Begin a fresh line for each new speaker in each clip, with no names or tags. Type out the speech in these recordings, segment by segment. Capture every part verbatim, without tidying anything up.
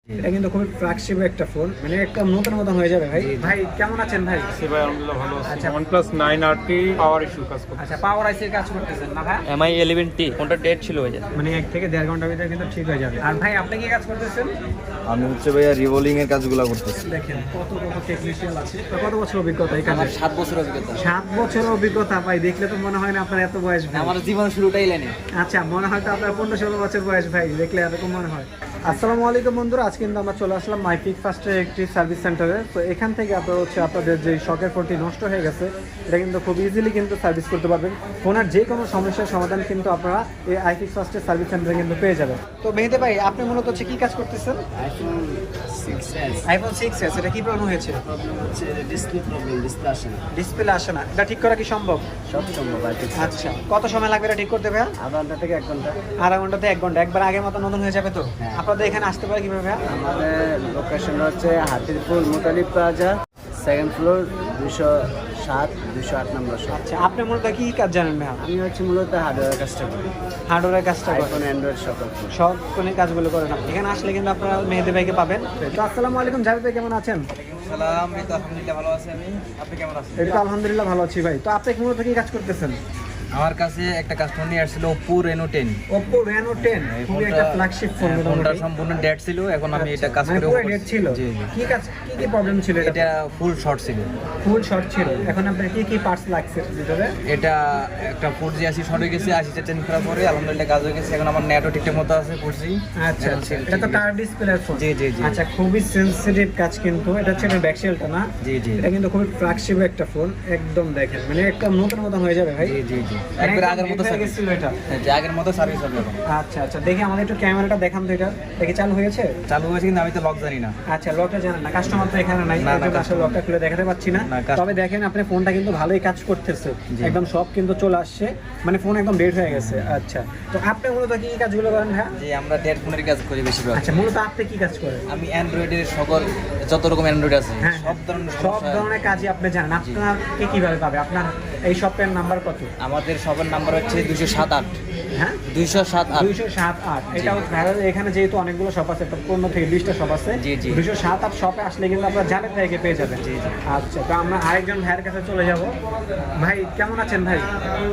এটা কিন্তু খুবই ফ্ল্যাগশিপ একটা ফোন, মানে একটা নতুন মতন হয়ে যাবে ভাই। ভাই কেমন আছেন ভাই?
সে ভাই আলহামদুলিল্লাহ ভালো আছি।
আচ্ছা।
OnePlus nine R T power issue কাজ করছে।
আচ্ছা, পাওয়ার আইসির কাজ করতেছেন না ভাই?
এম আই ইলেভেন টি ফোনটা ডেট ছিল ওই যে,
মানে এক থেকে দেড় ঘন্টার ভিতরে কিন্তু ঠিক হয়ে যাবে। আর ভাই আপনি কি কাজ করতেছেন?
আমি হচ্ছে ভাইয়া রিভলিং এর কাজগুলো করতেছি।
দেখেন কত কত টেকনিশিয়ান আছে। তো কত বছর অভিজ্ঞতা এই কাজে?
আমার সাত বছর অভিজ্ঞতা।
সাত বছর অভিজ্ঞতা ভাই, দেখলে তো মনে হয় না আপনার এত বয়স ভাই।
আমার জীবন শুরুটাই লাইনে।
আচ্ছা, মনে হয় তো আপনার পনেরো ষোলো বছর বয়স ভাই, দেখলে এরকম মনে হয়। আসসালামু আলাইকুম বন্ধুরা, আজকে কিন্তু আমরা চলে আসলাম মাইপিক ফার্স্টের একটি সার্ভিস সেন্টারে। তো এখান থেকে আপনারা হচ্ছে আপনাদের যে শখের ফোনটি নষ্ট হয়ে গেছে, এটা কিন্তু খুব ইজিলি কিন্তু সার্ভিস করতে পারবেন। ফোনের যে কোনো সমস্যার সমাধান কিন্তু আপনারা এই আইপিক ফার্স্টের সার্ভিস সেন্টারে কিন্তু পেয়ে যাবেন। তো মেহেদে ভাই, আপনি মূলত হচ্ছে কি কাজ করতেছেন?
IPhone six S
iPhone six S, এটা কি প্রবলেম হয়েছে?
প্রবলেম হচ্ছে ডিসপ্লে প্রবলেম, ডিসপ্লে আসে না।
ডিসপ্লে আসে না, এটা ঠিক করা কি সম্ভব?
সব সম্ভব আর কি।
আচ্ছা, কত সময় লাগবে এটা ঠিক করতে ভাইয়া?
আধা ঘন্টা থেকে এক ঘন্টা।
আধা ঘন্টাতে এক ঘন্টা, একবার আগের মতো নতুন হয়ে যাবে তো?
হ্যাঁ।
আপনাদের এখানে আসতে পারে কিভাবে ভাইয়া?
আমাদের লোকেশন হচ্ছে Hatirpool Mutalib plaza, second floor, দুশো সাত দুশো আট নম্বর শপ।
আচ্ছা, আপনি মূলত কি কাজ জানেন ভাইয়া?
আমি হচ্ছে মূলত হার্ডওয়্যার কাজটা করি,
হার্ডওয়্যারের কাজটা করেন?
আইফোন অ্যান্ড্রয়েড সকল ফোন।
সব কোনে কাজগুলো করেন আপনি। এখানে আসলে কিন্তু আপনারা মেহেদি ভাইকে পাবেন। তো আসসালামু আলাইকুম জাভেদ ভাই, কেমন আছেন?
সালাম, এই তো আলহামদুলিল্লাহ ভালো আছি আমি। আপনি কেমন আছেন?
এটা তো আলহামদুলিল্লাহ ভালো আছি ভাই। তো আপনি মূলত কি কাজ করতেছেন?
আমার কাছে একটা কাস্টমার নিয়ে আসছিল Oppo Reno ten.
Oppo Reno ten, খুবই একটা ফ্ল্যাগশিপ ফোন।
ফোনটা
মোটামুটি
সম্পূর্ণ ডেট ছিল, এখন আমি এটা কাজ
মানে
করে
পুরো ডেট ছিল।
জি জি।
কি কাজ, কি কি প্রবলেম ছিল এটা?
এটা ফুল শর্ট ছিল।
ফুল শর্ট ছিল। এখন আপনার কি কি পার্টস লাগছে ভিতরে?
এটা একটা ফোর জি আশি শর্ট হয়ে গেছে, আশিটা টেন করার পরে আলহামদুলিল্লাহ কাজ হয়ে গেছে। এখন আমার নেটও ঠিকঠাক মতো আছে, ফোর জি।
আচ্ছা আচ্ছা, এটা তো টাচ ডিসপ্লে ফোন।
জি জি জি।
আচ্ছা, খুবই সেনসিটিভ কাজ কিন্তু। এটা হচ্ছে ব্যাক শেলটা না?
জি জি।
এটা কিন্তু খুবই ফ্ল্যাগশিপ একটা ফোন, একদম দেখেন মানে একটা নতুন মতন হয়ে যাবে ভাই।
জি জি জি।
মানে
একবার
একদম
আগের মতো
hit হয়ে
সার্ভিস
গেছিল এটা।
হ্যাঁ, যে আগের মতো সার্ভিস হবে এখন।
আচ্ছা আচ্ছা, দেখি আমাদের একটু ক্যামেরাটা দেখান তো। এটা দেখি চালু হয়েছে?
চালু হয়েছে কিন্তু আমি তো লক জানি না।
আচ্ছা, লকটা জানেন না? কাস্টমার তো এখানে নাই,
না, না,
এর জন্য আসলে লকটা খুলে দেখাতে পাচ্ছি না।
না, কাস্ট-
তবে দেখেন আপনি ফোনটা কিন্তু ভালোই কাজ করতেছে,
জি।
একদম সব কিন্তু চলে আসছে, মানে ফোন একদম ডেট হয়ে গেছে। আচ্ছা, তো আপনি মূলত কি কি কাজগুলো করেন হ্যাঁ?
যে আমরা ডেট ফোনের কাজ করি বেশিরভাগ।
আচ্ছা, মূলত আপনি কি কাজ করেন?
আমি অ্যান্ড্রয়েডের সকল যত রকম অ্যান্ড্রয়েড আছে
হ্যাঁ,
সব ধরনের
সব
সমস্যা-
ধরনের কাজই আপনি জানেন। আপনাকে কিভাবে পাবে? আপনার এই শপের নাম্বার কত?
আমাদের সবার নাম্বার হচ্ছে দুইশো সাত আট
হ্যাঁ,
দুইশো সাত আট
দুইশো সাত আট। এটা ভাইরাল, এখানে যেহেতু অনেকগুলো শপ আছে, পনেরো থেকে বিশটা শপ আছে।
জি, জি।
দুইশো সাত আট শপে আসলে কিন্তু আপনার জাভেদ ভাইকে পেয়ে যাবেন।
জি, জি।
আচ্ছা, তো আমরা আরেকজন ভাইয়ের কাছে চলে যাব। ভাই কেমন আছেন ভাই?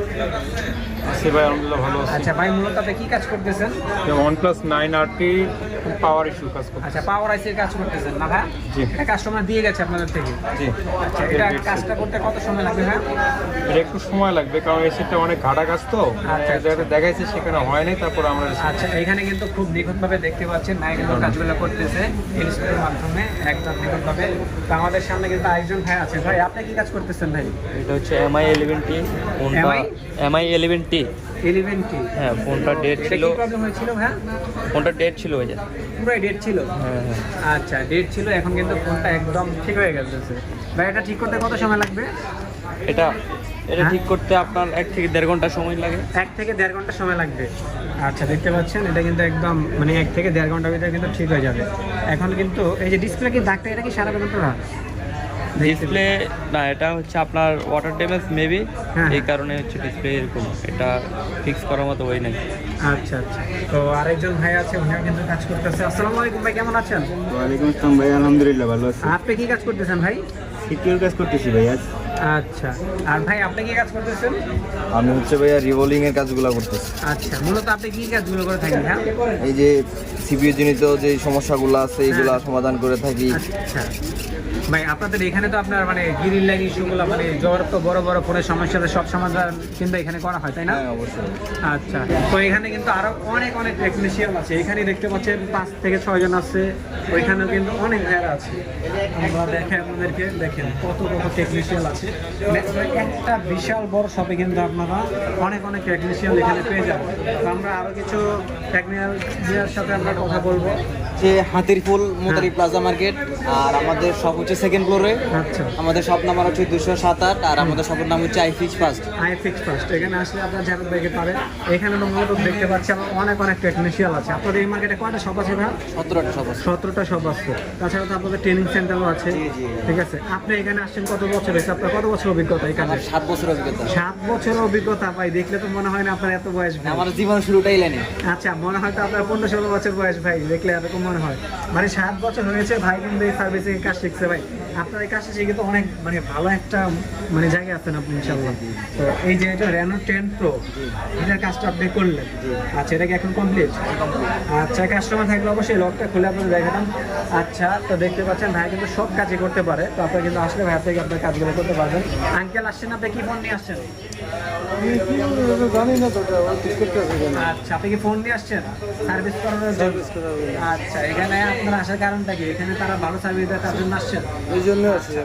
সে ভাই আলহামদুলিল্লাহ ভালো আছি।
আচ্ছা ভাই, মূলত আপনি কি কাজ করতেছেন?
OnePlus nine R T power issue কাজ করছে।
আচ্ছা, পাওয়ার আইসির কাজ করতেছেন না ভাই?
জি।
এটা কাস্টমার দিয়ে গেছে আপনাদের থেকে?
জি।
আচ্ছা, এটা কাজটা করতে কত সময় লাগবে ভাই?
এটা একটু সময় লাগবে, কারণ এই সেটটা অনেক ঘাটা কাজ তো।
আচ্ছা।
এক জায়গাতে দেখাইছে, সেখানে হয় নাই, তারপর আমরা
আচ্ছা, এখানে কিন্তু খুব নিখুঁতভাবে দেখতে পাচ্ছেন ভাই কিন্তু কাজগুলো করতেছে ইনস্টাগ্রামের মাধ্যমে, একদম নিখুঁতভাবে। তো আমাদের সামনে কিন্তু আরেকজন ভাই আছে। ভাই আপনি কি কাজ করতেছেন ভাই?
এটা হচ্ছে এম আই ইলেভেন টি ফোনটা।
M I?
M I eleven T
eleven T.
হ্যাঁ, ফোনটা ডেট
এটা
ছিল।
কি প্রবলেম হয়েছিল ভাই?
ফোনটা ডেট ছিল ওই যে।
পুরাই ডেট ছিল?
হ্যাঁ হ্যাঁ।
আচ্ছা, ডেট ছিল, এখন কিন্তু ফোনটা একদম ঠিক হয়ে গেছে। ভাই এটা ঠিক করতে কত সময় লাগবে?
এটা এটা
হ্যাঁ?
ঠিক করতে আপনার এক থেকে দেড় ঘন্টা সময় লাগে।
এক থেকে দেড় ঘন্টা সময় লাগবে। আচ্ছা, দেখতে পাচ্ছেন এটা কিন্তু একদম মানে এক থেকে দেড় ঘন্টার ভিতরে কিন্তু ঠিক হয়ে যাবে। এখন কিন্তু এই যে ডিসপ্লে কি দাগটা, এটা কি সারা পর্যন্ত না?
ডিসপ্লে না, এটা হচ্ছে আপনার ওয়াটার ড্যামেজ মেবি,
হ্যাঁ।
এই কারণে হচ্ছে ডিসপ্লে এরকম। এটা ফিক্স করার মতো ওই নাই।
আচ্ছা আচ্ছা, তো আরেকজন ভাই আছে, উনিও কিন্তু কাজ করতেছে। আসসালামু আলাইকুম ভাই, কেমন আছেন?
ওয়ালাইকুম আসসালাম ভাই, আলহামদুলিল্লাহ ভালো আছি।
আপনি কি কাজ করতেছেন ভাই?
সিকিউর কাজ করতেছি ভাই আজ।
আচ্ছা, আর ভাই আপনি কি কাজ করতেছেন?
আমি হচ্ছে ভাইয়া রিভলিং এর কাজগুলো করতেছি।
আচ্ছা, মূলত আপনি কি কাজগুলো করে থাকেন হ্যাঁ?
এই যে সিপিইউ জনিত যে সমস্যাগুলো আছে এইগুলা
হ্যাঁ।
সমাধান করে থাকি।
আচ্ছা ভাই, আপনাদের এখানে তো আপনার মানে গ্রিন লাইন ইস্যুগুলো মানে জ্বর তো বড় বড় ফোনের সমস্যাটা সব সমাধান কিন্তু এখানে করা হয়, তাই না?
হ্যাঁ অবশ্যই।
আচ্ছা, তো এখানে কিন্তু আরো অনেক অনেক টেকনিশিয়ান আছে। এখানে দেখতে পাচ্ছেন পাঁচ থেকে ছয় জন আছে, ওইখানেও কিন্তু অনেক ভাইরা আছে। আমরা দেখেন আপনাদেরকে, দেখেন কত কত টেকনিশিয়ান আছে। মানে একটা বিশাল বড় শপে কিন্তু আপনারা অনেক অনেক টেকনিশিয়ান এখানে পেয়ে যাবেন। তো আমরা আরো কিছু টেকনিশিয়ানের সাথে আমরা কথা বলবো।
যে হাতিরপুল মুতালিব প্লাজা মার্কেট, আর আমাদের সব হচ্ছে সেকেন্ড ফ্লোরে।
আচ্ছা,
আমাদের শপ নাম্বার হচ্ছে দুশো সাত আট, আর আমাদের শপের নাম হচ্ছে I fix first.
I fix first. এখানে আসলে আপনার জাভেদ ভাইকে পাবেন। এখানে তো মূলত দেখতে পাচ্ছি আমরা অনেক অনেক টেকনিশিয়ান আছে। আপনাদের এই মার্কেটে কয়টা শপ আছে ভাই?
সতেরোটা শপ আছে।
সতেরোটা শপ আছে। তাছাড়া তো আপনাদের ট্রেনিং সেন্টারও আছে।
জি, জি।
ঠিক আছে, আপনি এখানে আসছেন কত বছর হয়েছে? আপনার কত বছর অভিজ্ঞতা এখানে?
আমার সাত বছর অভিজ্ঞতা।
সাত বছর অভিজ্ঞতা ভাই, দেখলে তো মনে হয় না আপনার এত বয়স ভাই।
আমার জীবন শুরুটাই লাইনে।
আচ্ছা, মনে হয় তো আপনার পনেরো ষোলো বছর বয়স ভাই, দেখলে এরকম মনে হয়। মানে সাত বছর হয়েছে ভাই কিন্তু এই সার্ভিসে কাজ শিখছে ভাই। আপনার এই কাজটা শিখে তো অনেক মানে ভালো একটা মানে জায়গায় আছেন আপনি ইনশাল্লাহ। তো এই যে এটা রেনো টেন প্রো এটার কাজটা আপনি করলেন, আচ্ছা এটা কি এখন কমপ্লিট? আচ্ছা কাস্টমার থাকলে অবশ্যই লকটা খুলে আপনাদের দেখাতাম। আচ্ছা তো দেখতে পাচ্ছেন ভাই কিন্তু সব কাজই করতে পারে, তো আপনারা কিন্তু আসলে ভাই থেকে আপনার কাজগুলো করতে পারবেন। আঙ্কেল আসছেন, আপনি কি ফোন নিয়ে আসছেন?
জানি না তো ঠিক করতে হবে
আচ্ছা আপনি কি ফোন নিয়ে আসছেন সার্ভিস করানোর জন্য? আচ্ছা এখানে আপনার আসার কারণটা কি? এখানে তারা ভালো সার্ভিস দেয় তার জন্য আসছেন?
এই জন্য আছে